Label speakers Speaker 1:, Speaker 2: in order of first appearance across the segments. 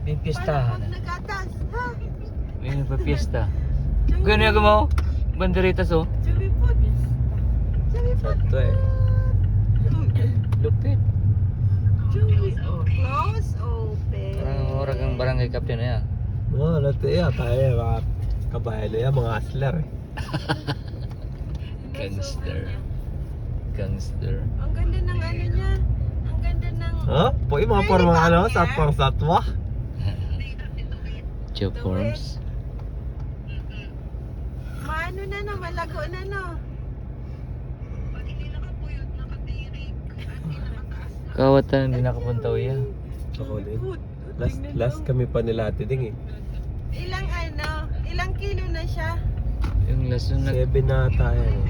Speaker 1: May pistahan.
Speaker 2: Paano pag nagatas? Ha?
Speaker 1: May nagpa-pista. Ganyan ako mo. Banderitas oh.
Speaker 2: Sabi po. Sabi po.
Speaker 3: Sakto eh.
Speaker 1: Lupit.
Speaker 2: Close open.
Speaker 1: Parang orang ang barangay captain na yan.
Speaker 3: Oo, nato yan. Tayo mga kabayan na yan, mga hustler eh.
Speaker 1: Gangster. Gangster.
Speaker 2: Ang ganda ng ano niya. Ang ganda ng...
Speaker 3: Ha? Po yung mga parang mga ano, satwang satwa.
Speaker 1: Joe Forms.
Speaker 2: Maano na no, malago na no.
Speaker 1: Kawatan hindi nakapunta uya.
Speaker 3: Ako din. Last kami pa nila Ate Ding eh.
Speaker 2: Ilang kilo na siya?
Speaker 1: Yung last nung
Speaker 3: 7 na tayo eh.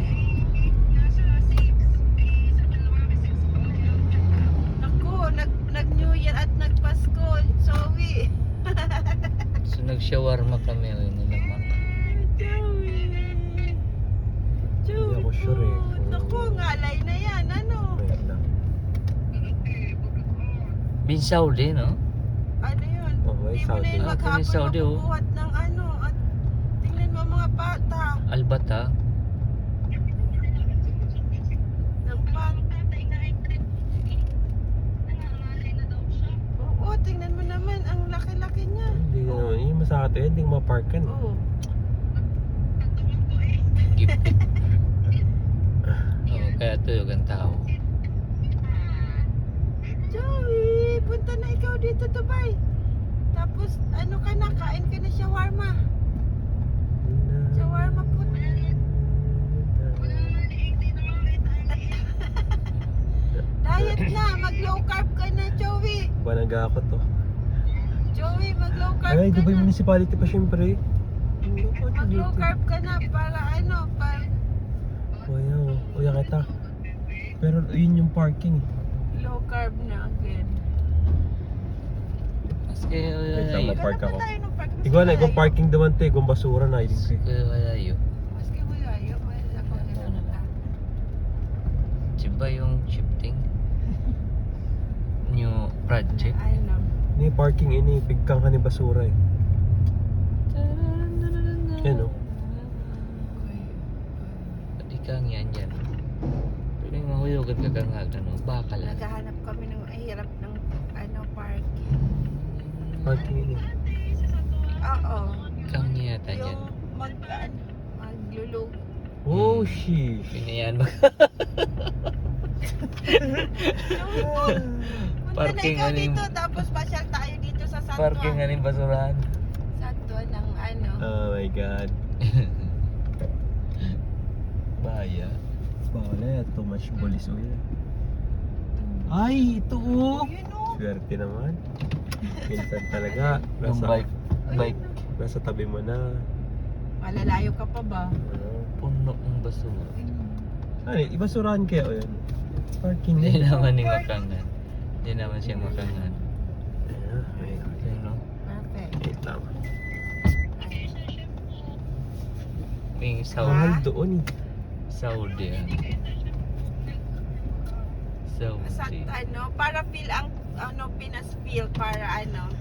Speaker 2: Naku, nag-New Year at nag-Pasko. Sorry.
Speaker 1: So nag-shawarma kami o yun nilamak.
Speaker 3: Hindi ako sure eh.
Speaker 2: Naku, ngalay na yan. Ano?
Speaker 3: Wait lang.
Speaker 1: Binsaw din no?
Speaker 2: Ano yun?
Speaker 3: Okay,
Speaker 2: Hindi mo na
Speaker 3: Saudi.
Speaker 2: yun
Speaker 1: Ah,
Speaker 2: maghapon
Speaker 1: Saudi, oh.
Speaker 2: mabubuhat ng ano. At tingnan mo mga bata.
Speaker 1: Albata.
Speaker 2: Ng Oo, tingnan mo naman. Ang laki-laki niya.
Speaker 3: Hindi naman. Yung masakit yun, hindi mapark ka no.
Speaker 2: Oo.
Speaker 1: Gipit. Oo, kaya tuyog ang tao.
Speaker 2: Joey, punta na ikaw dito, Dubai. Tapos, ano ka na, kain ka na shawarma. Shawarma po. Diet na, mag-low carb ka na, Joey.
Speaker 3: Banaga ako to.
Speaker 2: Joey, mag-low carb
Speaker 3: Ay,
Speaker 2: ka
Speaker 3: Dubai
Speaker 2: na.
Speaker 3: Municipality pa syempre.
Speaker 2: Mag-low carb ka na para ano, para
Speaker 3: Uya kita. Pero yun yung parking.
Speaker 2: low carb na again.
Speaker 1: Maski
Speaker 3: Wait lang,
Speaker 1: wala
Speaker 3: Park
Speaker 2: Gano'n
Speaker 3: ako.
Speaker 2: pa tayo ng park?
Speaker 3: Ikaw na, ikaw parking naman te, kung basura na.
Speaker 1: Maski wala yun.
Speaker 2: Maski mo yayo, wala ko na ka.
Speaker 1: Diba yung shifting? New project?
Speaker 2: Ano?
Speaker 3: Ini parking ini, bigkang ka ni basura eh. Yan o.
Speaker 1: Pati kang yan dyan. Pwede mahuyogan ka kang ano, bakal.
Speaker 2: Naghahanap kami ng hirap ng ano, parking.
Speaker 3: Parking ini.
Speaker 2: Oo.
Speaker 1: Kang yata dyan.
Speaker 2: Yung maglulog.
Speaker 3: Oh, sheesh.
Speaker 1: Pinayan ba?
Speaker 2: Punta
Speaker 1: Parking
Speaker 2: na ikaw
Speaker 1: aning-
Speaker 2: dito, tapos pasyal tayo dito sa Santo.
Speaker 1: Parking nga rin basurahan.
Speaker 2: Santo ng ano.
Speaker 3: Oh my God.
Speaker 1: Bahaya.
Speaker 3: Bawala yan, too much bolis uya. Ay, ito oh.
Speaker 2: Yun o.
Speaker 3: Swerte naman. Minsan talaga,
Speaker 1: Yung bike.
Speaker 3: nasa tabi mo na.
Speaker 2: Malalayo ka pa ba?
Speaker 1: Puno ng basura.
Speaker 3: Ano, ibasurahan kaya o yan? Parking
Speaker 1: Hindi
Speaker 3: na.
Speaker 1: naman yung makangan. Hindi naman siya makangan. Yun, no?
Speaker 2: Perfect.
Speaker 3: Wait lang.
Speaker 1: May
Speaker 3: Mahal
Speaker 1: Saudi.
Speaker 3: doon eh.
Speaker 1: Saudi.
Speaker 2: Sa
Speaker 1: Saudi.
Speaker 2: ano, para feel ang ano, Pinas feel para ano.